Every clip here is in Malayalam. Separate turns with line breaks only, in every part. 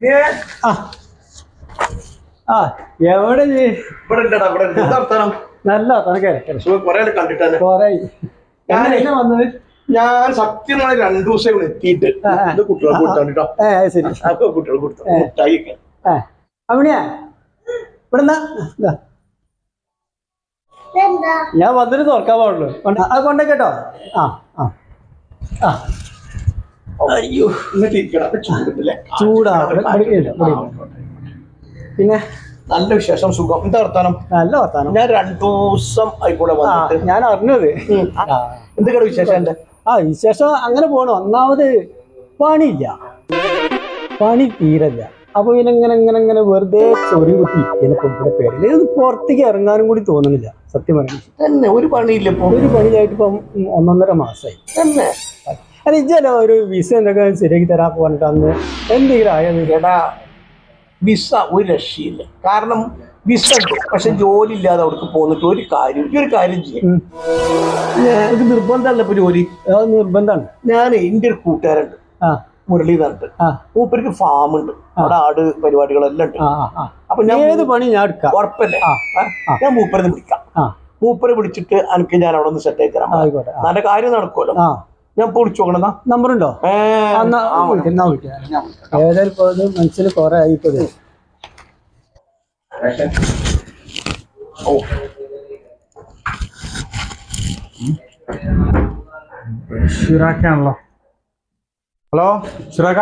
എവിടെ നല്ല വന്നത്
ഞാൻ സത്യമായി 2 ദിവസം ഇവിടെ എത്തിയിട്ട് കുട്ടികളെ കൊടുത്തോ.
ശരി
കുട്ടികൾ കൊടുത്തു മുട്ടായിക്കെ
അവിടെയാ ഇവിടെ ഞാൻ വന്നിട്ട് തുറക്കാൻ പാടുള്ളൂ. അത് കൊണ്ടേട്ടോ.
അയ്യോ
ചൂടാ. പിന്നെ
നല്ല വിശേഷം, സുഖം. എന്താ വർത്താനം?
നല്ല വർത്താനം.
ഞാൻ 2 ദിവസം ആയിക്കൂടെ വന്നിട്ട്
ഞാൻ അറിഞ്ഞത്.
എന്തൊക്കെയാണ് വിശേഷം? എന്റെ
വിശേഷം അങ്ങനെ പോണു. ഒന്നാമത് പണിയില്ല, പണി തീരല്ല. അപ്പൊ ഇങ്ങനെ വെറുതെ ചൊറി കുത്തി ഇവിടെ പേരില് പുറത്തേക്ക് ഇറങ്ങാനും കൂടി തോന്നുന്നില്ല സത്യം പറയാൻ.
തന്നെ ഒരു പണിയില്ല.
ഒരു പണിയായിട്ട് ഇപ്പം 1.5 മാസമായി തന്നെ. അത് ഇജ്ജല്ലോ ഒരു വിസ എന്തൊക്കെ ശരിയാക്കി തരാൻ പറഞ്ഞിട്ട് അന്ന് എന്തെങ്കിലും ആയത്?
എടാ വിസ ഒരു രക്ഷയില്ല. കാരണം വിസ ഉണ്ട്, പക്ഷെ ജോലി ഇല്ലാതെ അവിടേക്ക് പോന്നിട്ട് ഒരു കാര്യം ചെയ്യും. എനിക്ക് നിർബന്ധമല്ല ഇപ്പൊ ജോലി.
നിർബന്ധമാണ്.
ഞാൻ എൻ്റെ ഒരു കൂട്ടുകാരുണ്ട്, മുരളി പറഞ്ഞിട്ട്. മൂപ്പർക്ക് ഫാം ഉണ്ട്, അവിടെ ആട് പരിപാടികളെല്ലാം ഉണ്ട്. അപ്പൊ ഞാൻ
ഏത് പണി ഞാൻ എടുക്കാം,
ഉറപ്പല്ലേ? ഞാൻ മൂപ്പരെ വിളിക്കാം. മൂപ്പരെ വിളിച്ചിട്ട് എനിക്ക് ഞാൻ അവിടെ ഒന്ന് സെറ്റ് ആയി തരാം. നല്ല കാര്യം നടക്കുമല്ലോ. ഞാൻ ഇപ്പൊ വിളിച്ചു നോക്കണ
നമ്പറുണ്ടോ? ഏതായാലും മനസ്സിൽ കുറെ ആയിപ്പോ.
ഷിറാക്കാണല്ലോ. ഹലോ ഷിറാക്ക.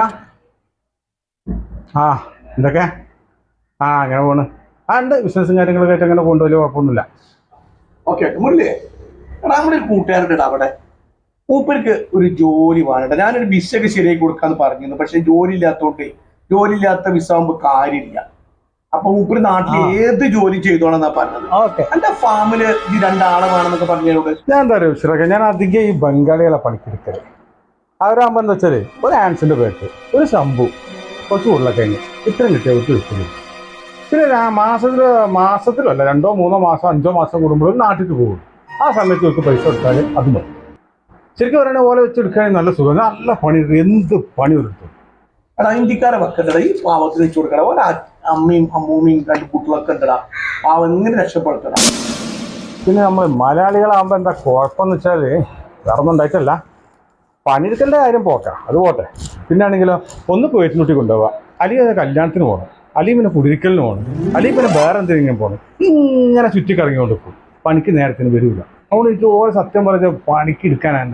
എന്തൊക്കെ? അങ്ങനെ പോണ്. ഉണ്ട് ബിസിനസ്സും കാര്യങ്ങളൊക്കെ ആയിട്ട് അങ്ങനെ കൊണ്ടുപോലും കുഴപ്പമൊന്നുമില്ല.
ഓക്കെ മുരളിയെ, നമ്മുടെ ഒരു കൂട്ടുകാരുണ്ട് അവിടെ. മൂപ്പർക്ക് ഒരു ജോലി വേണ്ട. ഞാനൊരു വിസയൊക്കെ ശരിയാക്കി കൊടുക്കാന്ന് പറഞ്ഞിരുന്നു, പക്ഷെ ജോലി ഇല്ലാത്ത വിസ ആകുമ്പോ കാര്യമില്ല. അപ്പൊ മൂപ്പര് നാട്ടിൽ ഏത് ജോലി ചെയ്തോളാന്നാ പറഞ്ഞത്. എന്റെ ഫാമില് ഈ 2 ആളെ വേണമെന്നൊക്കെ പറഞ്ഞോട്.
ഞാൻ എന്താ പറയുക ഷിറാക്ക, ഞാൻ അധികം ഈ ബംഗാളികളെ പണിക്കെടുക്കല്. അവരാകുമ്പോ എന്താ വെച്ചാല് ഒരു ആൻസിന്റെ പേട്ട്, ഒരു ശംഭു, കുറച്ച് ഉരുളക്കിഴങ്ങ്, ഇത്രയും കിട്ടിയ വിട്ട് കിട്ടുന്നു. പിന്നെ മാസത്തിലല്ല 2 3 മാസം 5 മാസം കൂടുമ്പോഴും നാട്ടിൽ പോകും. ആ സമയത്ത് അവർക്ക് പൈസ കൊടുത്താൽ അത് മതി. ശരിക്കും പറയണ പോലെ വെച്ചെടുക്കുകയാണെങ്കിൽ നല്ല സുഖം, നല്ല പണി, എന്ത് പണി എടുത്തു.
എടാ ഇന്ത്യക്കാരെ വെക്കണ്ടടാ, ഈ പാവത്തിന് വെച്ച് കൊടുക്കടാ. ഓരോ അമ്മയും അമ്മൂമ്മയും 2 കുട്ടികളൊക്കെ ഉണ്ടടാ. പാവം എങ്ങനെ രക്ഷപ്പെടുത്തടാ.
പിന്നെ നമ്മൾ മലയാളികളാകുമ്പോൾ എന്താ കുഴപ്പമെന്ന് വെച്ചാൽ വേറെ ഒന്നും ഉണ്ടായിട്ടല്ല, പണിയെടുക്കേണ്ട കാര്യം പോക്കാം, അത് പോട്ടെ. പിന്നെ ആണെങ്കിലോ ഒന്ന് പേറ്റിനുട്ടി കൊണ്ടുപോവുക, അല്ലെങ്കിൽ കല്യാണത്തിന് പോകണം, അല്ലെങ്കിൽ പിന്നെ കുടിരിക്കലിന് പോകണം, അല്ലെങ്കിൽ പിന്നെ വേറെ എന്തെങ്കിലും പോകണം. ഇങ്ങനെ ചുറ്റിക്കറങ്ങിക്കൊണ്ട് പോകും, പണിക്ക് നേരത്തിന് വരില്ല. അതുകൊണ്ട് എനിക്ക് ഓരോ സത്യം പറഞ്ഞ പണിക്ക് എടുക്കാനാണ്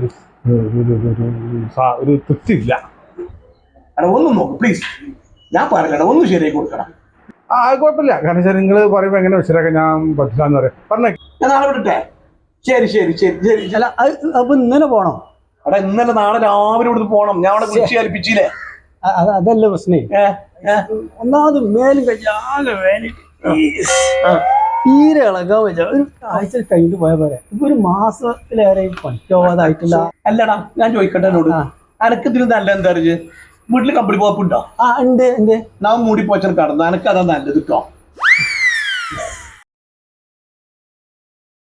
ഒരു തൃപ്തിയില്ല.
എടാ ഒന്നും നോക്കും പ്ലീസ്, ഞാൻ പറയലടാ, ഒന്നും ശരിയാക്കി കൊടുക്കണം.
കുഴപ്പമില്ല. കാരണം വെച്ചാൽ നിങ്ങൾ പറയുമ്പോൾ എങ്ങനെ വെച്ചിട്ടൊക്കെ ഞാൻ പറ്റില്ലാന്ന് പറയാം. പറഞ്ഞേ,
ഞാൻ നാളെ വിടട്ടെ? ശരി.
അല്ല അപ്പൊ ഇന്നലെ പോണം.
അവിടെ ഇന്നലെ നാളെ രാവിലെ ഇവിടുന്ന് പോണം. ഞാൻ അവിടെ വിളിച്ച് കൽപ്പിച്ചില്ലേ?
അതല്ല പ്രശ്നേ. ഒന്നാമത് മേലും കഴിയാതെ തീരെ ഇളകാൻ പറ്റാ. ഒരു ആഴ്ച കഴിഞ്ഞിട്ട് പോയ പോലെ. ഇപ്പൊ ഒരു മാസത്തിലേറെ പറ്റോവാതായിട്ടില്ല.
അല്ലടാ ഞാൻ ചോദിക്കട്ടെ എന്നോട്, അനക്ക് ഇതിന് നല്ല എന്താ അറിയ വീട്ടില് കമ്പനി പോപ്പുണ്ടോ?
ഉണ്ട്.
ഞാൻ മൂടി പോച്ചാൽ കടന്നു, അനക്ക് അതാ നല്ലത് കേട്ടോ.